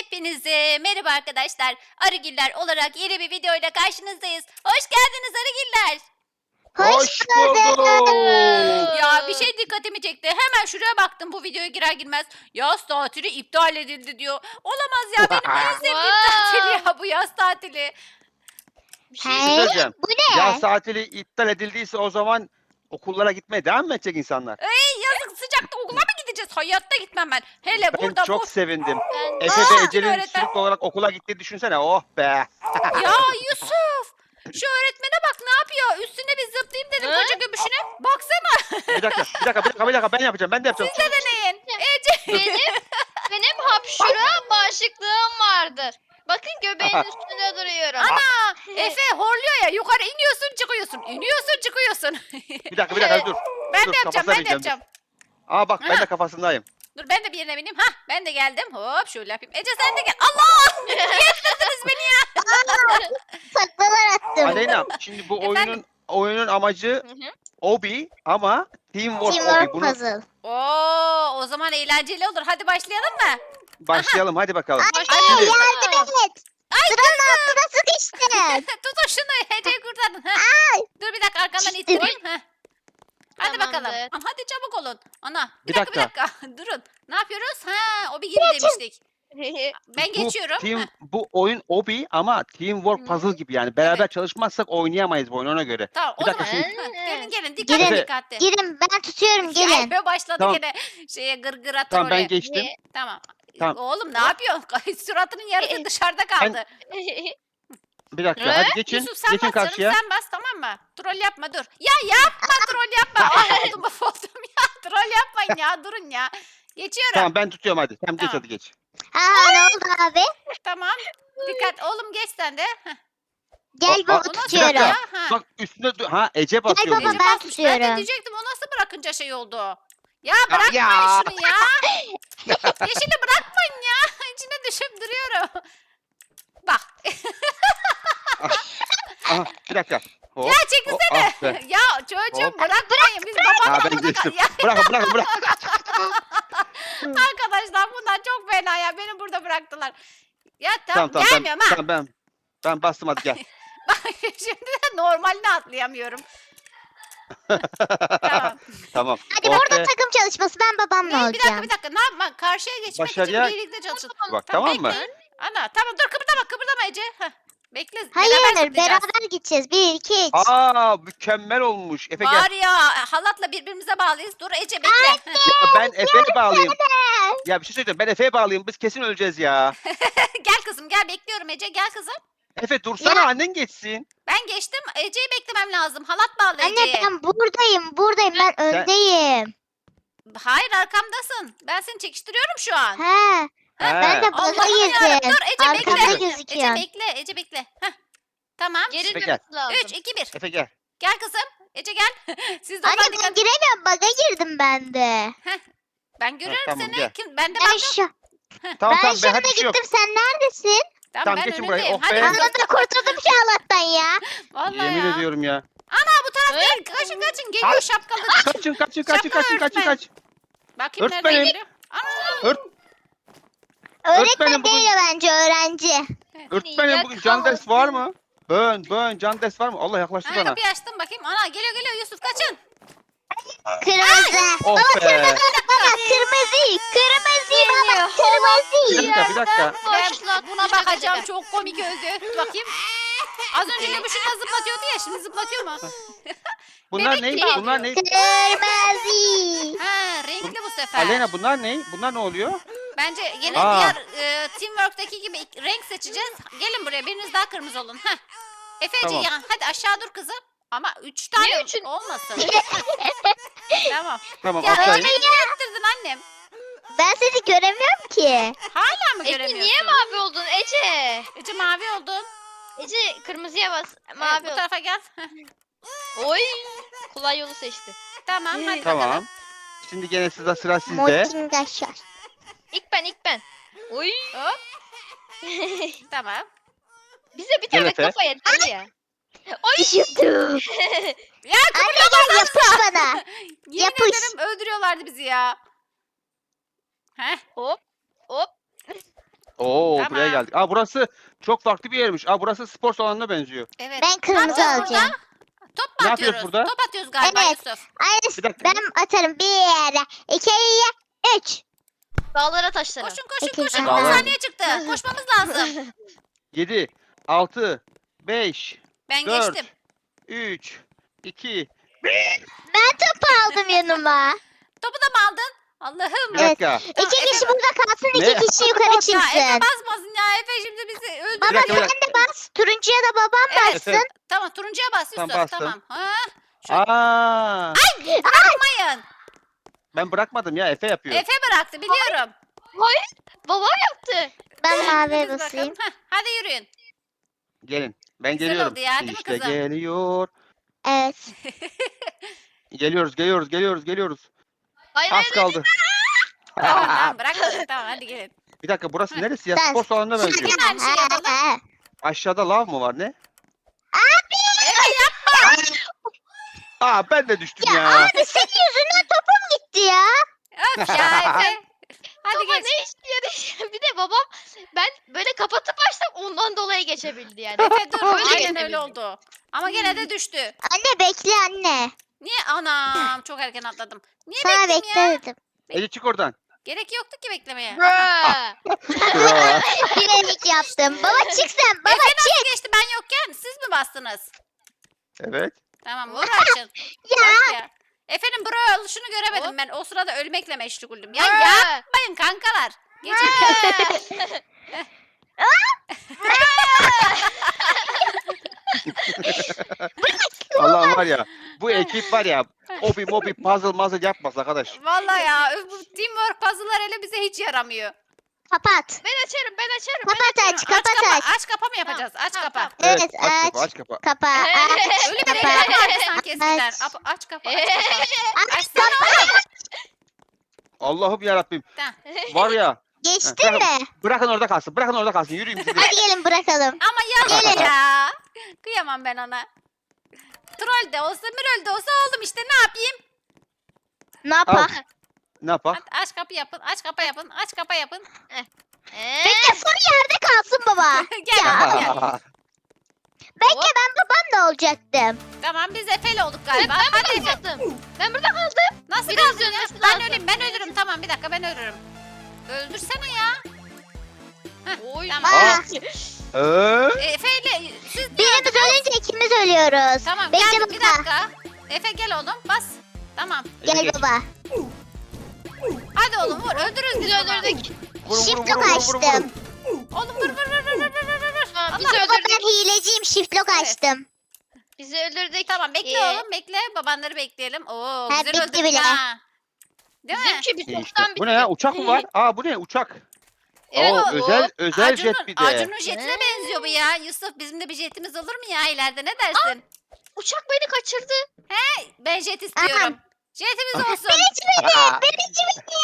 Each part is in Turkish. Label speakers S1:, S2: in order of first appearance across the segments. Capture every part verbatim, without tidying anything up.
S1: Hepinize merhaba arkadaşlar. Arıgiller olarak yeni bir videoyla karşınızdayız. Hoş geldiniz Arıgiller.
S2: Hoş bulduk.
S1: Ya bir şey dikkatimi çekti. Hemen şuraya baktım bu videoya girer girmez. Yaz tatili iptal edildi diyor. Olamaz ya, benim en sevdiğim tatil ya bu yaz tatili.
S2: Bir şey
S3: He?
S2: söyleyeceğim.
S3: Bu ne?
S2: Yaz tatili iptal edildiyse o zaman okullara gitmeye devam mı edecek insanlar?
S1: Ey yazık, sıcakta okula mı gideceğiz? Hayatta gitmem ben. Hele
S2: Ben
S1: burada
S2: çok
S1: bu...
S2: sevindim.
S3: Ben
S2: Efe
S1: Aa,
S2: ve Ece'nin
S1: öğretmen.
S2: sürekli olarak okula gittiği düşünsene. Oh be.
S1: Ya Yusuf! Şu öğretmene bak ne yapıyor? Üstüne bir zıplayayım dedim
S3: Hı?
S1: koca göbüşüne. Baksana.
S2: Bir dakika, bir dakika, bir dakika, bir dakika. Ben yapacağım, ben de yapacağım.
S1: Siz de deneyin. Ece.
S3: benim benim hapşura bağışıklığım vardır. Bakın göbeğin üstünde duruyorum.
S1: Ana! Efe horluyor ya, yukarı iniyorsun çıkıyorsun. İniyorsun çıkıyorsun.
S2: Bir dakika, bir dakika, dur.
S1: Ben
S2: Dur,
S1: de yapacağım,
S2: kafasına
S1: ben de
S2: bineceğim, dur.
S1: yapacağım.
S2: Aa bak, ben
S1: Ha.
S2: de kafasındayım.
S1: Dur ben de bir yerine bineyim. Hah, ben de geldim. Hop şöyle yapayım. Ece sen de gel. Allah! Niye ettirdiniz beni ya?
S3: Saklalar attım.
S2: Aleyna, şimdi bu
S1: Efendim?
S2: oyunun oyunun amacı
S3: Hı hı.
S2: obi ama teamwork obi.
S3: Teamwork
S2: Bunu
S3: puzzle.
S1: Oo, o zaman eğlenceli olur. Hadi başlayalım mı?
S2: başlayalım, hadi bakalım.
S3: Başlayalım.
S2: Şimdi-
S3: Yardım et. Sıranın altına sıkıştın.
S1: Tutun şunu. Ece'yi kurtarın. Heh. Dur bir dakika arkandan
S3: İşte
S1: ittireyim. Heh. Hadi bakalım.
S3: Tamamdır.
S1: Aman, hadi çabuk olun. Ana bir,
S2: Bir
S1: dakika, bir dakika. Durun. Ne yapıyoruz? Ha, o bir gibi demiştik. Ben
S2: Bu
S1: geçiyorum.
S2: team,
S1: Heh,
S2: bu oyun obi ama teamwork
S3: Hı.
S2: puzzle gibi yani. Beraber
S1: Evet.
S2: çalışmazsak oynayamayız bu oyunu, ona göre.
S1: tamam o
S2: Bir dakika
S1: zaman.
S2: şimdi-
S1: Heh, gelin gelin dikkatli
S3: Girin.
S1: dikkatli.
S3: Girin ben tutuyorum gelin.
S1: Ya, Efe başladı
S2: Tamam.
S1: gene şeye gırgıra
S2: Tamam, ben
S1: trole.
S2: geçtim.
S1: Tamam.
S2: Tamam.
S1: Oğlum ne yapıyorsun? Suratının yarısı dışarıda kaldı.
S2: Bir dakika,
S3: Ne?
S2: hadi geçin.
S1: Yusuf sen
S2: Geçin
S1: bas canım,
S2: karşıya.
S1: sen bas tamam mı? Troll yapma dur. Ya yapma troll yapma. Ay, oldum of oldum ya. Troll yapmayın ya, durun ya. Geçiyorum.
S2: Tamam, ben tutuyorum hadi. Tamam, geç
S1: Tamam.
S2: hadi geç.
S3: Aa ne oldu abi?
S1: Tamam. Dikkat oğlum, geç sen de. Heh.
S3: Gel
S2: Aa,
S3: baba
S2: aa,
S1: O nasıl
S3: tutuyorum.
S1: ya?
S2: dakika.
S1: Ha.
S2: Bak üstüne dur- ha Ece basıyor.
S3: baba,
S2: bunu.
S1: Ece
S3: ben
S1: basmış. Ben de
S3: tutuyorum.
S1: diyecektim o nasıl bırakınca şey oldu. Ya bırakmayın
S2: ya.
S1: şunu ya. Yeşili bırakmayın ya. İçine düşüp duruyorum. Bak.
S2: Aha, bir dakika. Hop.
S1: Ya çekilsene.
S2: Oh, ah be.
S1: Ya çocuğum
S2: Hop.
S1: bırakmayın. Biz
S2: Ha,
S1: babamla
S2: ben
S1: burada
S2: geçtim.
S1: kal- Ya
S2: Bırakın, bırakın, bırak.
S1: arkadaşlar bunlar çok fena ya. Beni burada bıraktılar. Ya tamam,
S2: Tamam, tamam, ben,
S1: gelmiyorum ha.
S2: tamam, ben, ben bastım hadi gel.
S1: Bak şimdi de normalini atlayamıyorum. Tamam.
S2: Tamam.
S3: Hadi
S2: Oh
S3: burada
S2: be.
S3: takım çalışması ben babamla
S1: Ne, bir dakika
S3: olacağım.
S1: bir dakika. Ne yapma? Karşıya geçmek
S2: Başarıya-
S1: için birlikte çalışın.
S2: Bak, tamam mı?
S1: bekle. Ana tamam dur, kıpırdama kıpırdama Ece. Heh. Bekle.
S3: Hayır
S1: zıplayacağız.
S3: beraber gideceğiz. Bir iki üç.
S2: Aa, mükemmel olmuş. Efe gel.
S1: Var ya, halatla birbirimize bağlıyız. Dur Ece bekle. Heh.
S2: Ya ben Efe'ye bağlayayım. Ya bir şey söyleyeceğim. Ben Efe'ye bağlayayım. Biz kesin öleceğiz ya.
S1: Gel kızım gel, bekliyorum Ece, gel kızım.
S2: Efe dursana,
S3: Ya.
S2: annen geçsin.
S1: Ben geçtim. Ece'yi beklemem lazım. Halat bağlı
S3: Anne
S1: Ece'ye.
S3: ben buradayım buradayım ben öndeyim.
S1: Hayır arkamdasın. Ben seni çekiştiriyorum şu an.
S3: He.
S2: He.
S3: Ben de baga
S1: Allah'ım yarabbim.
S3: girdim.
S1: Dur Ece bekle.
S3: Arkamda
S2: Ece
S1: Ece
S3: gözüküyor.
S1: bekle. Ece bekle. Heh. Tamam.
S3: Geri
S2: Efe gel.
S3: dönmesi lazım.
S1: üç, iki, bir.
S2: Efe gel.
S1: Gel kızım. Ece gel. Siz de
S3: Anne
S1: oradan
S3: ben
S1: dikkat.
S3: giremiyorum baga girdim ben de.
S1: Ben görüyorum
S2: tamam,
S1: seni.
S2: gel.
S1: Kim? Ben de
S3: Ben
S1: baktım.
S3: şu
S2: Tamam,
S3: ben
S2: tamam, ben
S3: şurada
S2: hadi bir şey yok.
S3: gittim sen neredesin?
S1: Tamam,
S2: Tamam,
S1: ben
S2: geçin burayı.
S1: önündeyim.
S2: Oh
S1: Hadi
S2: be.
S1: kızım.
S3: Anladım kurtuldum şu Allah'tan ya.
S1: Vallahi
S2: Yemin
S1: ya.
S2: ediyorum ya.
S1: Ana bu taraf değil. Kaçın kaçın. Geliyor
S2: Ay.
S1: şapkalı.
S2: Kaçın, kaçın, kaçın,
S1: Şapkalı
S2: kaçın, kaçın,
S1: öğretmen.
S2: kaç.
S1: Bakayım nereden
S2: Öğretmenim.
S1: geliyor. Ana.
S2: Ört,
S3: Öğretmen
S2: Öğretmenim bugün-
S3: değil bence öğrenci.
S2: öğretmenim bugün can ders var mı? Bön, bön, can ders var mı? Allah yaklaştı
S1: Ana
S2: bana.
S1: kapıyı açtım bakayım. Ana geliyor geliyor Yusuf, kaçın.
S3: Kırmızı.
S2: Oh be.
S3: Baba kırmızı. Kırmızı baba kırmızı.
S2: Bir dakika, bir dakika.
S1: Ben buna bakacağım. Çok komik özü. Bakayım. Az önce göbüşüne zıplatıyordu ya, şimdi zıplatıyor mu?
S2: Bunlar
S1: Bebek
S2: ne?
S1: gibi
S2: Bunlar ne?
S3: Kırmızı.
S1: Ha, renkli bu sefer.
S2: Aleyna bunlar ne? Bunlar ne oluyor?
S1: Bence yine
S2: Aa.
S1: diğer e, Teamwork'taki gibi ilk- renk seçeceğiz. Gelin buraya, biriniz daha kırmızı olun. Heh. Efeci
S2: Tamam.
S1: ya, hadi aşağı dur kızım. Ama üç tane
S3: Niye üçün-
S1: olmasın. tamam.
S2: Tamam,
S1: Ya
S2: aşağıya.
S1: Ece niye ettirdin annem?
S3: Ben seni göremiyorum ki.
S1: Hala mı
S4: Ece
S1: göremiyorsun?
S4: niye mavi oldun Ece?
S1: Ece mavi oldun.
S4: Ece kırmızıya bas.
S1: Evet,
S4: Mavi
S1: bu
S4: ol.
S1: tarafa gel. Heh.
S4: Oy. Kolay yolu seçti.
S1: Tamam hadi
S2: Tamam.
S1: bakalım.
S2: Şimdi gene size sıra sizde.
S3: Motingaşar.
S4: İlk ben ilk ben. Oy.
S1: Hop. Tamam.
S4: Bize bir
S2: Gel
S4: tane
S2: Efe.
S4: kafa yeter ya.
S3: Düşürdüm.
S1: Ya
S3: Anne gel yapış bana.
S1: yemin
S3: yapış.
S1: ederim öldürüyorlardı bizi ya. Heh.
S4: Hop. Hop.
S2: Oo
S1: Tamam.
S2: buraya geldik. Aa burası çok farklı bir yermiş. Aa burası spor salonuna benziyor.
S1: Evet.
S5: Ben
S1: Ne
S5: kırmızı
S1: yapacağız
S5: alacağım.
S1: burada? Top mu
S2: Ne yapıyoruz
S1: atıyoruz?
S2: burada?
S1: Top atıyoruz galiba
S5: Evet.
S1: Yusuf.
S5: Aynı
S2: Bir dakika.
S5: ben atarım. Bir, iki, üç.
S3: Dağlara taşlara.
S1: Koşun koşun
S5: Peki,
S1: koşun.
S5: tamam.
S1: on saniye çıktı. Koşmamız lazım.
S2: yedi, altı, beş,
S1: Ben
S2: Dört.
S1: geçtim.
S2: üç, iki.
S5: Ben topu aldım yanıma.
S1: Topu da mı aldın? Allah'ım.
S2: Bir
S5: Evet.
S2: dakika.
S5: İki
S1: Efe-
S5: kişi burada kalsın,
S2: Ne?
S5: iki kişi yukarı
S1: Ya Efe
S5: çıksın.
S1: basmasın ya. Efe şimdi bizi öldürür.
S5: Baba
S2: Bir dakika, bir
S5: sen
S2: dakika.
S5: de bas. Turuncuya da babam
S1: Evet.
S5: bassın.
S2: Efe.
S1: Tamam turuncuya bas Yusuf.
S2: Tamam, bastım.
S1: Tamam. Ha?
S2: Aa,
S1: Bırakmayın.
S2: ben bırakmadım ya. Efe yapıyor.
S1: Efe bıraktı biliyorum.
S3: Babam yaptı.
S5: Ben
S1: Hadi
S5: maviye
S1: biz bakalım.
S5: basayım.
S1: Heh, hadi yürüyün.
S2: Gelin. Ben
S1: Güzel
S2: geliyorum.
S1: oldu ya, değil mi
S2: İşte
S1: kızım?
S2: geliyor.
S5: Evet.
S2: Geliyoruz, geliyoruz, geliyoruz, geliyoruz.
S3: Hayır
S2: Az
S3: hayır.
S2: kaldı.
S1: Tamam tamam bırakmadık tamam hadi gelin.
S2: Bir dakika burası neresi ya?
S5: Ben-
S2: Spor salonuna benziyor.
S1: Yine aynı şeyi yapalım.
S2: Aşağıda lav mı var ne?
S1: Efe yapma.
S2: Aa ben de düştüm
S5: Ya
S2: ya.
S5: abi senin yüzünden topum gitti ya.
S1: Öf ya Efe. Hadi
S3: Baba
S1: geç.
S3: ne iş yarış. Bir de babam ben böyle kapatıp açtım ondan dolayı geçebildi yani.
S1: Efe dur.
S3: Öyle
S1: Aynen
S3: geçebildi.
S1: öyle oldu. Ama gene de düştü.
S5: Anne bekle anne.
S1: Niye? Anam çok erken atladım. Niye
S5: Sana
S1: bekleyeyim
S5: bekle
S1: ya?
S5: dedim.
S2: Ece çık oradan.
S1: Gerek yoktu ki beklemeye.
S3: Bruh.
S5: Bilerek yaptım. Baba çık sen. Baba
S1: Efe
S5: çık.
S1: nasıl geçti ben yokken siz mi bastınız?
S2: Evet.
S1: Tamam uğraşın.
S5: Ya.
S1: Bak ya. Efe'nin buraya oluşunu göremedim ben. O sırada ölmekle meşguldüm. Ya
S3: Bruh.
S1: yapmayın kankalar. Geçin.
S2: Allah var ya. Bu ekip var ya. Obi mobi puzzle muzzle yapmaz arkadaş.
S1: Vallahi ya öf, bu teamwork puzzle'lar hele bize hiç yaramıyor.
S5: Kapat.
S3: Ben açarım ben açarım.
S5: Kapat aç.
S1: aç
S5: Kapat
S1: kapa,
S5: aç.
S1: aç kapa mı yapacağız? Aç
S3: Tamam,
S1: kapa.
S3: tamam.
S5: Evet
S2: aç
S5: aç.
S2: kapa aç kapa.
S5: Kapa. Aç.
S1: Öyle bir
S5: Kapa.
S1: reklam vardı sanki eskiden.
S5: Aç.
S1: Ap- Aç kapa, aç kapa.
S5: Aç.
S1: Açsana.
S2: Allah'ım yarabbim.
S1: Tamam.
S2: Var ya.
S5: Geçtin mi?
S2: Bırakın orada kalsın. Bırakın orada kalsın. Yürüyün siz de.
S5: Hadi gelin bırakalım.
S1: Ama yazık
S5: Gelin.
S1: ya. Kıyamam ben ona. Troll de olsa, Mürol de olsa oğlum işte ne yapayım?
S5: Ne
S2: Al.
S5: yapalım?
S2: Ne yapak?
S1: Hadi aç kapı yapın, aç kapa yapın, aç kapa yapın.
S3: Ee,
S5: Bekle son yerde kalsın baba.
S1: Gel, gel.
S5: Bekle ben babam da olacaktım.
S1: Tamam biz Efe'yle olduk
S3: ben,
S1: galiba.
S3: ben
S1: Hadi
S3: burada
S1: Efe.
S3: kaldım. Ben burada kaldım.
S1: Nasıl
S3: Biraz
S1: kaldın ya?
S3: dönmesi
S1: Ben
S3: lazım.
S1: öleyim, ben ölürüm. Tamam bir dakika ben ölürüm. Öldürsene ya.
S3: Oy.
S1: Tamam.
S5: Aa,
S2: Ee?
S1: E, Efe'yle siz
S5: birimiz ölünce ikimiz ölüyoruz.
S1: Tamam
S5: Bekle
S1: gel bir
S5: baba.
S1: dakika. Efe gel oğlum bas. Tamam.
S5: Gel baba.
S1: Hadi oğlum vur öldürürüz biz
S3: Biz
S1: onu.
S3: öldürdük.
S2: Vurun,
S5: Shift
S2: vurun,
S5: lock
S2: vurun, vurun, vurun,
S5: açtım.
S2: vurun.
S1: Oğlum vur vur vur vur vur vur vur. vur.
S3: Tamam,
S1: Allah,
S3: bizi
S5: Baba
S3: öldürdük.
S5: ben hileciyim. Shift lock
S1: Evet.
S5: açtım.
S3: Bizi öldürdük.
S1: Tamam bekle
S3: Ee,
S1: oğlum bekle. Babanları bekleyelim. Oo
S5: Ha,
S1: güzel
S5: bitti
S1: öldürdük
S5: bile.
S1: ha. Değil mi?
S3: Bizimki bir
S2: İyi
S3: çoktan
S2: işte.
S3: bitti.
S2: Bu ne ya? Uçak mı var? Aa bu ne? Uçak.
S3: Evet,
S2: Oo,
S3: o-
S2: özel özel
S1: Acun'un,
S2: jet bir de.
S1: Acun'un jetine
S3: Ne?
S1: benziyor bu ya. Yusuf bizim de bir jetimiz olur mu ya ileride ne dersin?
S3: Uçak beni kaçırdı.
S1: Ben jet istiyorum. Jetimiz olsun.
S2: Aa,
S5: Birinci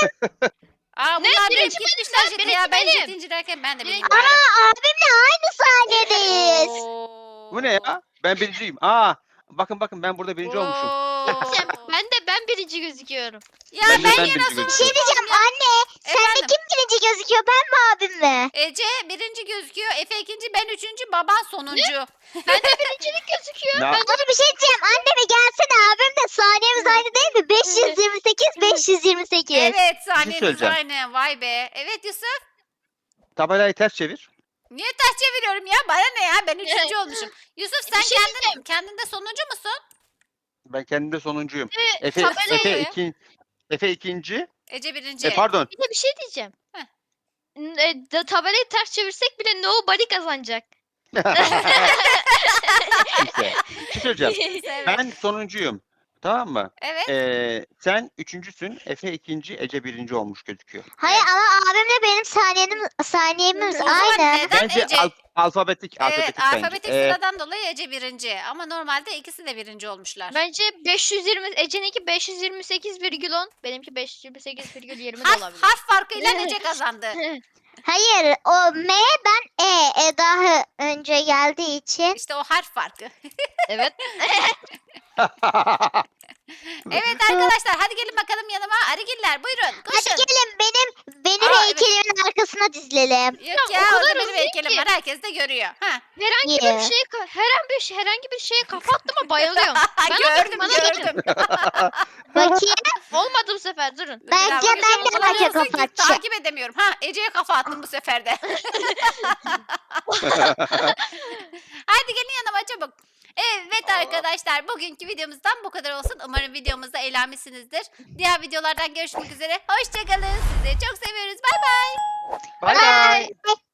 S1: Aa
S3: Ne?
S1: bunlar
S3: Birinci
S1: direkt gitmişler
S3: benim,
S1: jeti
S3: birinci
S1: ya. Ben
S3: benim.
S1: jet incelerken ben de
S3: Birinci-
S1: birinci verdim.
S5: Aa abimle aynı sahnedeyiz.
S1: Oo.
S2: bu ne ya? Ben birinciyim. Aa bakın bakın ben burada birinci olmuşum.
S1: Oo.
S3: Sen- ben de ben birinci gözüküyorum.
S1: Ya
S2: Ben de
S1: ben,
S2: ben
S1: yine
S2: birinci
S1: sonuncu
S5: Bir şey diyeceğim
S1: oldum ya.
S5: anne. Sende
S1: Efendim?
S5: kim birinci gözüküyor, ben mi abim mi?
S1: Ece birinci gözüküyor. Efe ikinci, ben üçüncü, baban sonuncu.
S3: Birincilik gözüküyor.
S2: Ya,
S3: Ben
S5: Bana bir şey diyeceğim. Anne bir gelsene, abim de saniyemiz aynı değil mi? beş yüz yirmi sekiz beş yüz yirmi sekiz.
S1: Evet saniyeniz
S2: söyleyeceğim.
S1: aynı. Vay be. Evet Yusuf.
S2: tabelayı ters çevir.
S1: Niye ters çeviriyorum ya? Bana ne ya? Ben üçüncü olmuşum. Yusuf sen
S3: Bir şey
S1: kendin, kendinde sonuncu musun?
S2: Ben kendimde sonuncuyum.
S3: Ee,
S2: Efe,
S3: tabelayı-
S2: Efe, iki, Efe ikinci.
S1: Ece birinci.
S2: E, pardon.
S3: Bir de bir şey diyeceğim.
S1: Heh.
S3: N- e, da- tabelayı ters çevirsek bile nobody kazanacak.
S2: Neyse. Bir şey söyleyeceğim.
S1: Evet.
S2: Ben sonuncuyum. Tamam mı?
S1: Evet.
S2: Ee, sen üçüncüsün. Efe ikinci. Ece birinci olmuş gözüküyor.
S5: Hayır ama abimle benim saniyenim, saniyemiz
S1: O zaman
S5: aynı.
S1: neden
S2: Bence
S1: Ece?
S2: al- alfabetik.
S1: Evet
S2: alfabetik
S1: alfabetik
S2: bence. Ee,
S1: sıradan dolayı Ece birinci. Ama normalde ikisi de birinci olmuşlar.
S3: Bence beş yüz yirmi Ece'ninki beş yüz yirmi sekiz virgül on, benimki beş yüz yirmi sekiz virgül yirmi de
S1: harf,
S3: olabilir.
S1: harf farkıyla Ece kazandı.
S5: Hayır o M, ben E. E daha önce geldiği için.
S1: İşte o harf farkı.
S3: Evet.
S1: Evet arkadaşlar hadi gelin bakalım yanıma. Arıgiller buyurun
S5: Hadi
S1: koşun.
S5: gelin benim benim
S1: Aa, evet.
S5: heykelimin arkasına dizilelim.
S1: Yok
S3: Ya,
S1: ya
S3: o kadar
S1: orada benim
S3: hızlı
S1: heykelim
S3: ki.
S1: var. Herkes de görüyor. Ha.
S3: Herhangi
S5: Yeah.
S3: bir şeye ka- herhangi bir şey herhangi bir şeye kafa attım ama bayılıyorum. Bana
S1: gördüm
S3: bakın, bana bakın.
S1: gördüm.
S5: Bakayım.
S3: Olmadı bu sefer durun.
S5: Bence
S1: Bravo.
S5: ben de
S1: Kullanıyorsun
S5: herkese
S1: ki
S5: kafa atacağım.
S1: Takip edemiyorum. Ha Ece'ye kafa attım bu sefer de. Hadi gelin yanıma çabuk. Evet arkadaşlar bugünkü videomuzdan bu kadar olsun. Umarım videomuzda eğlenmişsinizdir. Diğer videolardan görüşmek üzere. Hoşçakalın. Sizi çok seviyoruz. Bay bay.
S2: Bay bay.
S5: Bye.